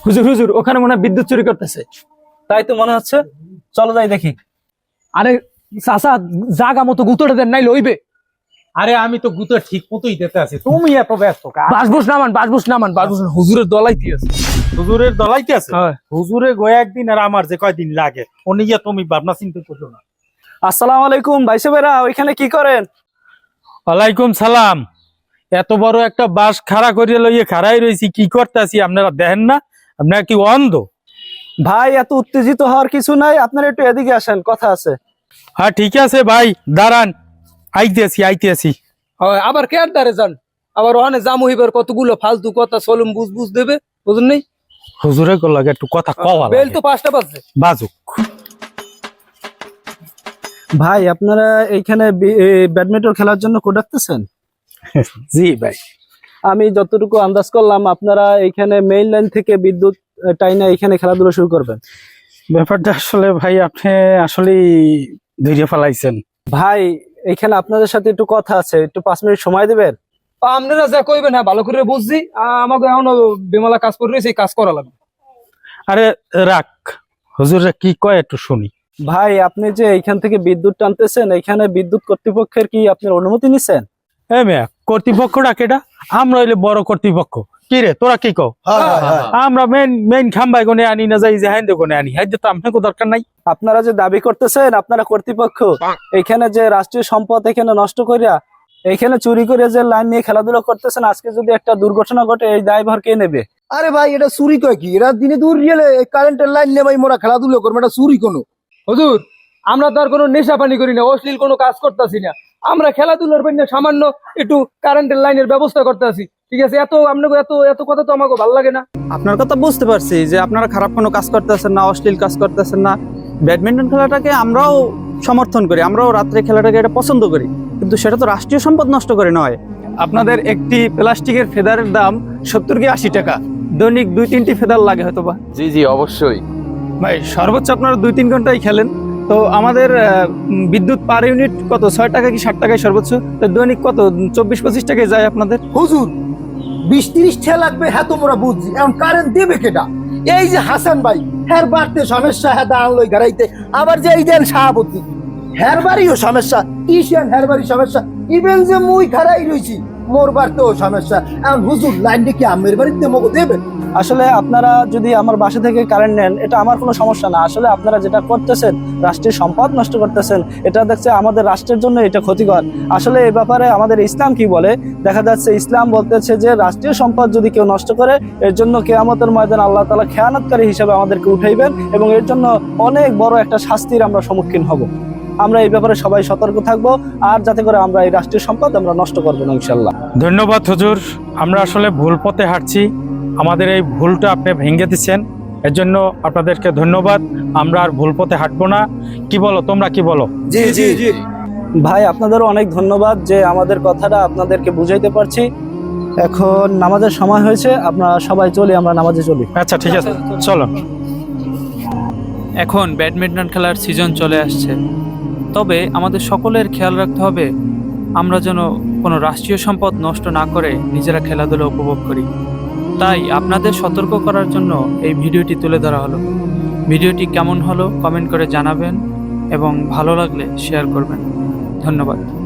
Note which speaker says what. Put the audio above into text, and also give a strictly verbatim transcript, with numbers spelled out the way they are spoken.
Speaker 1: হুজুর হুজুর ওখানে মনে হয় বিদ্যুৎ চুরি করতেছে।
Speaker 2: তাই তো মনে হচ্ছে, চলো যাই দেখি।
Speaker 1: আরে চাচা, জাগা মতো গুতোটা দেন নাই লইবে।
Speaker 3: আরে আমি তো গুতো ঠিক মতোই দিতে আছি, তুমি এত ব্যস্ত কা?
Speaker 1: বাসবুস নামান, বাসবুস নামান, বাসবুস নামান। হুজুরের দলাইতে আছে।
Speaker 3: হুজুরের দলাইতে আছে?
Speaker 1: হ্যাঁ।
Speaker 3: হুজুরে গয়া একদিন আর আমার যে কয়দিন লাগে ও নিয়ে তুমি ভাবনা চিন্তা করছো না।
Speaker 2: আসসালামু আলাইকুম ভাই সাহেবেরা, ওইখানে কি করেন?
Speaker 3: ওয়ালাইকুম সালাম। এত বড় একটা বাস খাড়া করিয়ে লইয়ে খাড়াই রয়েছি, কি করতেছি আপনারা দেখেন না? আপনারা কি অন্ধ?
Speaker 2: ভাই এত উত্তেজিত হওয়ার কিছু নাই, আপনারা একটু এদিকে আসেন, কথা আছে।
Speaker 3: হ্যাঁ ঠিক আছে ভাই, দাঁড়ান, আইতেছি আইতেছি।
Speaker 1: হয়, আবার কে আর দাঁড়ে যান? আবার ওখানে জামু হইবার কতগুলো ফালতু কথা সলুম বুঝ বুঝ দেবে, বুঝুন নেই?
Speaker 3: হুজুরে লাগে একটু কথা কওয়া
Speaker 1: বেল তো পাঁচটা বাজছে।
Speaker 3: বাজুক।
Speaker 2: ভাই আপনারা এইখানে ব্যাডমিন্টন খেলার জন্য কোড রাখতেছেন?
Speaker 3: জি ভাই।
Speaker 2: আমি যতটুকু আন্দাজ করলাম আপনারা এইখানে মেইন লাইন থেকে বিদ্যুৎ টাইনা এখানে খেলাধুলা শুরু করবেন।
Speaker 3: ব্যাপারটা আসলে ভাই আপনি আসলেই ধৈর্য ফেলাইছেন।
Speaker 2: ভাই এইখানে আপনাদের সাথে একটু কথা আছে, একটু পাঁচ মিনিট সময় দেবেন?
Speaker 1: আপনারা যা কইবেন হ্যাঁ ভালো করে বুঝছি। আমাকে এখনো বেমালা কাজ করে রয়েছে, কাজ করা লাগবে।
Speaker 3: আরে রাখ, হুজুরে কি কয় একটু শুনি।
Speaker 2: ভাই আপনি যে এইখান থেকে বিদ্যুৎ টানতেছেন, এইখানে বিদ্যুৎ কর্তৃপক্ষের কি আপনার অনুমতি নিছেন?
Speaker 3: হ্যাঁ মেয়া, কর্তৃপক্ষ ডাকেটা, আমরা হইলে বড় কর্তৃপক্ষ। কি রে তোরা কি কও? আমরা মেন মেন খাম্বাই গনে আনি না যাই যে হাইন্দে গনে আনি, হাইন্দে তো আপনাকে দরকার নাই।
Speaker 2: আপনারা যে দাবি করতেছেন আপনারা কর্তৃপক্ষ, এখানে যে রাষ্ট্রীয় সম্পদ এখানে নষ্ট করিয়া এখানে চুরি করে যে লাইন নিয়ে খেলাধুলা করতেছেন, আজকে যদি একটা দুর্ঘটনা ঘটে এই দায়ভার কে নেবে?
Speaker 4: আরে ভাই এটা চুরি কয় কি? এরা দিনে দূর গেলে কারেন্টের লাইন নেই, মোরা খেলাধুলো করবো, এটা চুরি কোনো?
Speaker 1: হুজুর আমরা তো আর কোনো নেশা পানি করি না, অশ্লীল কোনো কাজ করতেছি না। আমরা খেলাধুলার জন্য সামান্য একটু কারেন্টের লাইনের ব্যবস্থা করতেছি, ঠিক আছে? এত আপনাকে এত এত কথা তো আমাকে ভালো লাগে না।
Speaker 2: আপনার কথা বুঝতে পারছি যে আপনারা খারাপ কোনো কাজ করতেছেন না, অশ্লীল কাজ করতেছেন না। ব্যাডমিন্টন খেলাটাকে আমরাও সমর্থন করি, আমরাও রাত্রে খেলাটাকে এটা পছন্দ করি, কিন্তু সেটা তো রাষ্ট্রীয় সম্পদ নষ্ট করে নয়। আপনাদের একটি প্লাস্টিকের ফেদারের দাম সত্তর কি আশি টাকা, দৈনিক দুই তিনটি ফেদার লাগে হয়তো বা।
Speaker 5: জি জি অবশ্যই
Speaker 2: ভাই সর্বোচ্চ আপনারা দুই তিন ঘন্টাই খেলেন, তো আমাদের বিদ্যুৎ পার ইউনিট কত? ছয় টাকা কি ষাট টাকায় সর্বোচ্চ, তো দৈনিক কত? চব্বিশ পঁচিশ টাকায় যায় আপনাদের।
Speaker 4: হুজুর বিশ তিরিশ টাকা লাগবে, হ্যাঁ তো মোরা বুঝছি, এখন কারেন্ট দেবে কেটা? এই যে হাসান ভাই, হ্যার বাড়তে সমস্যা, হ্যাঁ দাঁড়ান লই গাড়াইতে, আবার যে এই দেন শাহাবুদ্দিন, হ্যার বাড়িও সমস্যা, ইশিয়ান হ্যার বাড়ি সমস্যা, ইভেন যে মুই খারাই রয়েছি মোর বাড়তেও সমস্যা। এখন হুজুর লাইনটা কি আমের বাড়িতে মগো দেবেন? আসলে আপনারা যদি আমার বাসা থেকে কারেন্ট নেন এটা আমার কোনো সমস্যা না, আসলে আপনারা যেটা করতেছেন রাষ্ট্রের সম্পদ নষ্ট করতেছেন, এটা দেখছে আমাদের রাষ্ট্রের জন্য এটা ক্ষতিকর। আসলে এই ব্যাপারে আমাদের ইসলাম কি বলে দেখা যাচ্ছে, ইসলাম বলতেছে যে রাষ্ট্রীয় সম্পদ যদি কেউ নষ্ট করে এর জন্য কিয়ামতের ময়দানে আল্লাহ তাআলা খেয়ানতকারী হিসেবে আমাদেরকে উঠাইবেন এবং এর জন্য অনেক বড় একটা শাস্তির আমরা সম্মুখীন হব। আমরা এই ব্যাপারে সবাই সতর্ক থাকবো, আর যাতে করে আমরা এই রাষ্ট্রীয় সম্পদ আমরা নষ্ট করবো না ইনশাল্লাহ।
Speaker 3: ধন্যবাদ হুজুর, আমরা আসলে ভুল পথে হাঁটছি, আমাদের এই ভুলটা আপনি ভেঙে দিচ্ছেন, এর জন্য আপনাদেরকে ধন্যবাদ। আমরা আর ভুল পথে হাঁটবো না, কি বলো তোমরা, কি বলো?
Speaker 4: জি জি জি
Speaker 2: ভাই আপনাদেরও অনেক ধন্যবাদ যে আমাদের কথাটা আপনাদেরকে বুঝাইতে পারছি। এখন নামাজের সময় হয়েছে, আপনারা সবাই চলি, আমরা নামাজে চলি।
Speaker 3: আচ্ছা ঠিক আছে, চলো।
Speaker 6: এখন ব্যাডমিন্টন খেলার সিজন চলে আসছে, তবে আমাদের সকলের খেয়াল রাখতে হবে আমরা যেন কোনো রাষ্ট্রীয় সম্পদ নষ্ট না করে নিজেরা খেলাধুলা উপভোগ করি। তাই আপনাদের সতর্ক করার জন্য এই ভিডিওটি তুলে ধরা হলো। ভিডিওটি কেমন হলো কমেন্ট করে জানাবেন এবং ভালো লাগলে শেয়ার করবেন। ধন্যবাদ।